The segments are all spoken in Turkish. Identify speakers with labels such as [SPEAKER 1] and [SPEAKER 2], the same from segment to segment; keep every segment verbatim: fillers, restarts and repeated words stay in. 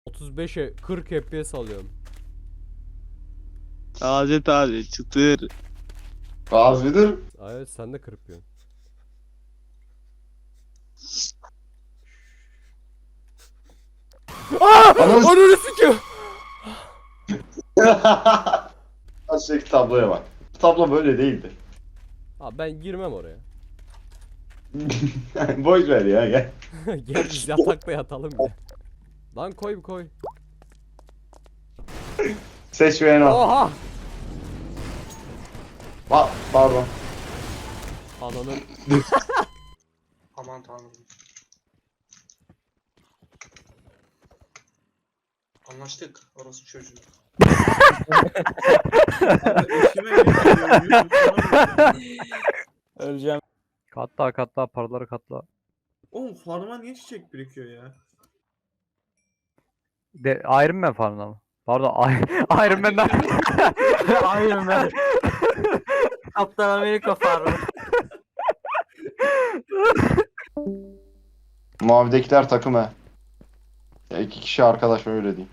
[SPEAKER 1] otuz beşe kırk F P S alıyorum.
[SPEAKER 2] Taze taze çıtır.
[SPEAKER 3] Gazidir.
[SPEAKER 1] Evet sen de kırpıyorsun. Aaa!
[SPEAKER 3] Ananı s-
[SPEAKER 1] Ananı sikiyor.
[SPEAKER 3] Aşağıdaki tabloya bak. Bu tablo böyle değildi.
[SPEAKER 1] Abi ben girmem oraya.
[SPEAKER 3] Boş ver ya gel.
[SPEAKER 1] Gel biz yatakta yatalım ya. Lan koy bir koy.
[SPEAKER 3] Seç ve en al.
[SPEAKER 1] Oha!
[SPEAKER 3] Pa pardon.
[SPEAKER 1] Ananın.
[SPEAKER 4] Aman tanrım. Anlaştık. Orası çocuğu.
[SPEAKER 5] Öleceğim.
[SPEAKER 6] Katla katla paraları katla.
[SPEAKER 5] Oğlum farma niye çiçek birikiyor ya?
[SPEAKER 6] De Iron Man farmına mı? Pardon I- Iron Man'den.
[SPEAKER 5] Iron Man.
[SPEAKER 7] Kaptan Amerika farmı.
[SPEAKER 3] Mavidekiler takım he. Ya iki kişi arkadaş öyle diyeyim.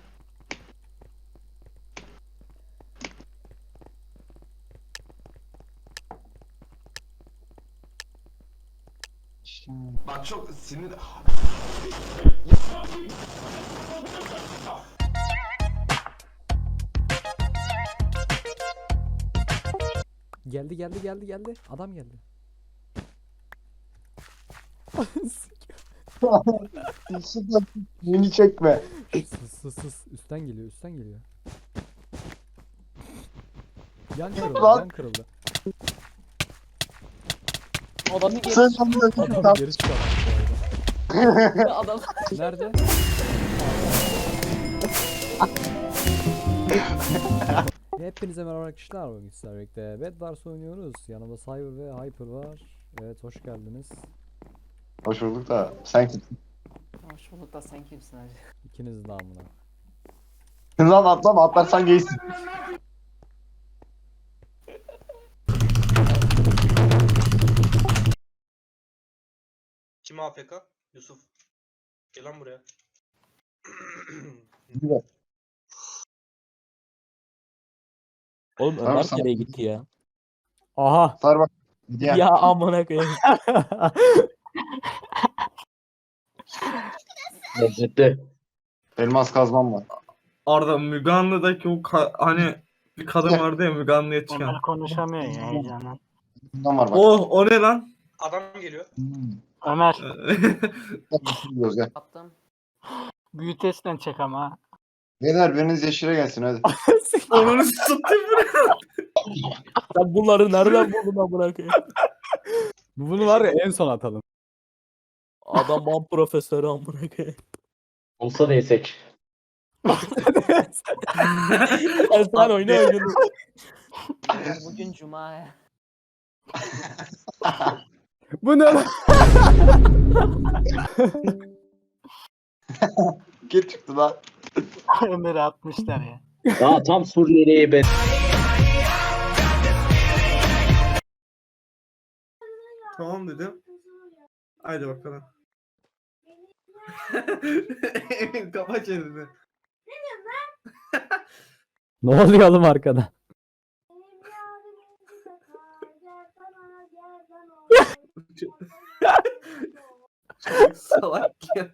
[SPEAKER 8] Bak çok sinir...
[SPEAKER 1] Geldi geldi geldi geldi. Adam geldi.
[SPEAKER 3] Beni çekme.
[SPEAKER 1] Sus sus sus. Üstten geliyor üstten geliyor. Yan kırıldı
[SPEAKER 3] Lan.
[SPEAKER 1] yan kırıldı.
[SPEAKER 7] Adamı geri
[SPEAKER 3] Sen
[SPEAKER 1] Adam geri çıkarttı bu arada.
[SPEAKER 7] adam.
[SPEAKER 1] Nerede? Hepinize merhaba arkadaşlar. Bugün sizlerle birlikte Bed Wars oynuyoruz. Yanımda Cyber ve Hyper var. Evet hoş geldiniz.
[SPEAKER 3] Hoş bulduk da sen kimsin?
[SPEAKER 7] Hoş bulduk da sen kimsin hacı?
[SPEAKER 1] İkiniz de amına.
[SPEAKER 3] Lan atlama atlarsan geysin.
[SPEAKER 4] Kim A F K? Yusuf. Gel lan buraya.
[SPEAKER 5] Oğlum
[SPEAKER 3] Tamam,
[SPEAKER 5] Ömer
[SPEAKER 3] sana-
[SPEAKER 5] nereye gitti ya?
[SPEAKER 1] Aha.
[SPEAKER 3] Sar bak. Diğer.
[SPEAKER 5] Ya amına koyayım.
[SPEAKER 9] Lezzetli.
[SPEAKER 3] Elmas kazmam var.
[SPEAKER 10] Arda Müge Anlı'daki o ka- hani bir kadın vardı ya Müge Anlı'ya çıkan.
[SPEAKER 9] Ömer konuşamıyor ya heyecandan.
[SPEAKER 3] Bundan var bak.
[SPEAKER 10] Oh o ne lan?
[SPEAKER 4] Adam geliyor.
[SPEAKER 3] Hmm.
[SPEAKER 9] Ömer
[SPEAKER 3] Biliyoruz ya.
[SPEAKER 7] Attım.
[SPEAKER 9] büyüteçten çek ama.
[SPEAKER 3] Beyler biriniz yeşile gelsin hadi.
[SPEAKER 10] Onu satayım buraya.
[SPEAKER 5] Sen bunları nereden buldun amına koyayım?
[SPEAKER 1] Bunu var ya en son atalım.
[SPEAKER 5] Adam ban profesörü amına koyayım.
[SPEAKER 9] Olsa değsek.
[SPEAKER 5] Sen sen oyna oyunu.
[SPEAKER 7] Bugün cuma ya.
[SPEAKER 1] Bu ne lan?
[SPEAKER 3] Gir çıktı lan.
[SPEAKER 9] Ömer'i atmışlar ya. Daha tam Suriyeli'ye ben.
[SPEAKER 10] Tamam dedim. Haydi bakalım. Emin kapa çeneni.
[SPEAKER 1] Ne oluyor oğlum arkada?
[SPEAKER 10] Salak ya.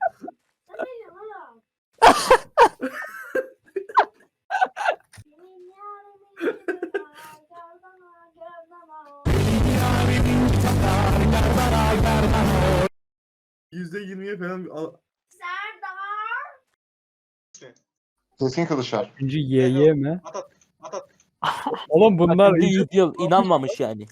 [SPEAKER 10] Yüzde yirmiye falan bir al-
[SPEAKER 3] Keskin kılıçlar.
[SPEAKER 1] Üçüncü Y Y mi?
[SPEAKER 4] At at. At at.
[SPEAKER 1] Oğlum bunlar
[SPEAKER 5] İyi yıl inanmamış yani.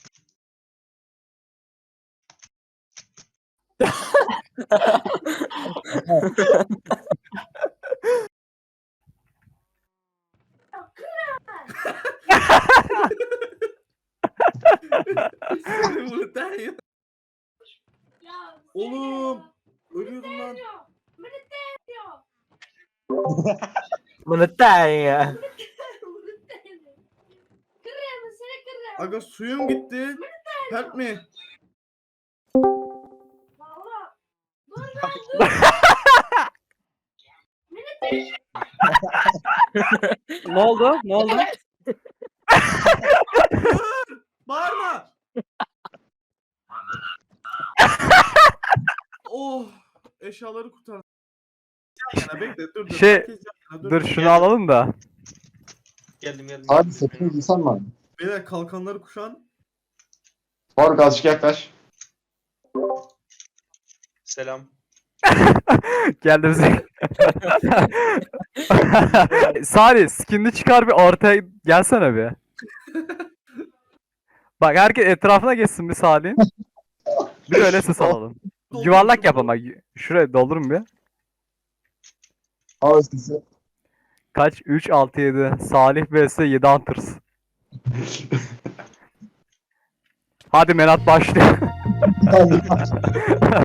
[SPEAKER 10] Bunu der ya. Oğlum. Ölüyordum lan.
[SPEAKER 5] Bunu der ya.
[SPEAKER 10] Aga suyum gitti. Help me.
[SPEAKER 6] Ne oldu? Ne oldu?
[SPEAKER 10] Bağırma. Oh. Eşyaları kurtar. Yan yana bekle dur dur.
[SPEAKER 6] Şey,
[SPEAKER 10] Herkes yan yana,
[SPEAKER 6] Dur şunu alalım da.
[SPEAKER 4] Geldim geldim.
[SPEAKER 3] Abi
[SPEAKER 4] geldim.
[SPEAKER 3] sepetini giysen mi abi?
[SPEAKER 10] Beyler kalkanları kuşan.
[SPEAKER 3] Faruk azıcık yaklaş.
[SPEAKER 4] Selam.
[SPEAKER 6] Geldi bize. Salih skinini çıkar bir ortaya gelsene bir. Bak herkes etrafına geçsin bir Salih'in. Bir öyle ses alalım. Yuvarlak yap ama. Şuraya doldurun bir.
[SPEAKER 3] Al sesi.
[SPEAKER 6] Kaç? üç, altı, yedi. Salih vs yedi Hunters. Hadi Menat başlıyor.